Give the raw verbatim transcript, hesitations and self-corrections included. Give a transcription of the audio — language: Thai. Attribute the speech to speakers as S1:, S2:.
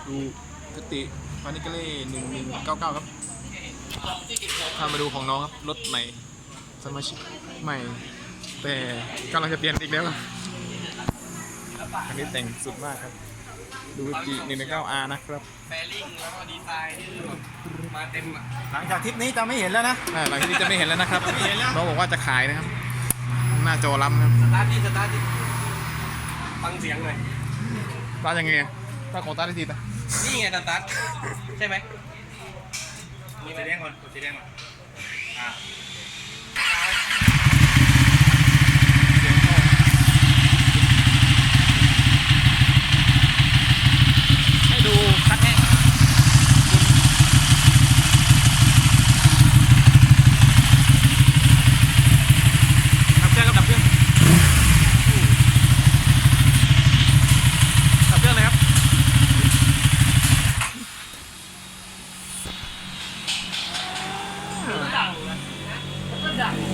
S1: ดูกติฟานิกาเล่หนึ่งหนึ่งเก้าเก้าครับถ้ามาดูของน้องครับรถใหม่สมาชิกใหม่ แต่กำลังจะเปลี่ยนอีกแล้วอันนี้แต่งสุดมากครับดูจีหนึ่งหนึ่งเก้าอาร์นะครับ
S2: แฟลิ่งแล้วก็ดีไซน์ที่มาเต็มอ่ะ
S3: หลังจากทริปนี้จะไม่เห็นแล้วนะ
S1: อ่าหลังจากนี้จะไม่เห็นแล้วนะครับน้องบอกว่าจะขายนะครับ หน้าจอล้ำครับ
S2: สตาร์ทดิสตาร์ทดิฟังเสียงหน่อย
S1: ตายังไงตาของตาได้ทีตา
S2: นี่ไงสตาร์ทใช่ไหม
S3: มีสีแดงก่อนกดสีแดงก่อนอ่า
S1: ให้ดูคัดแห้งดับเครื่องครับดับเครื่องดับเครื่องเลยครับ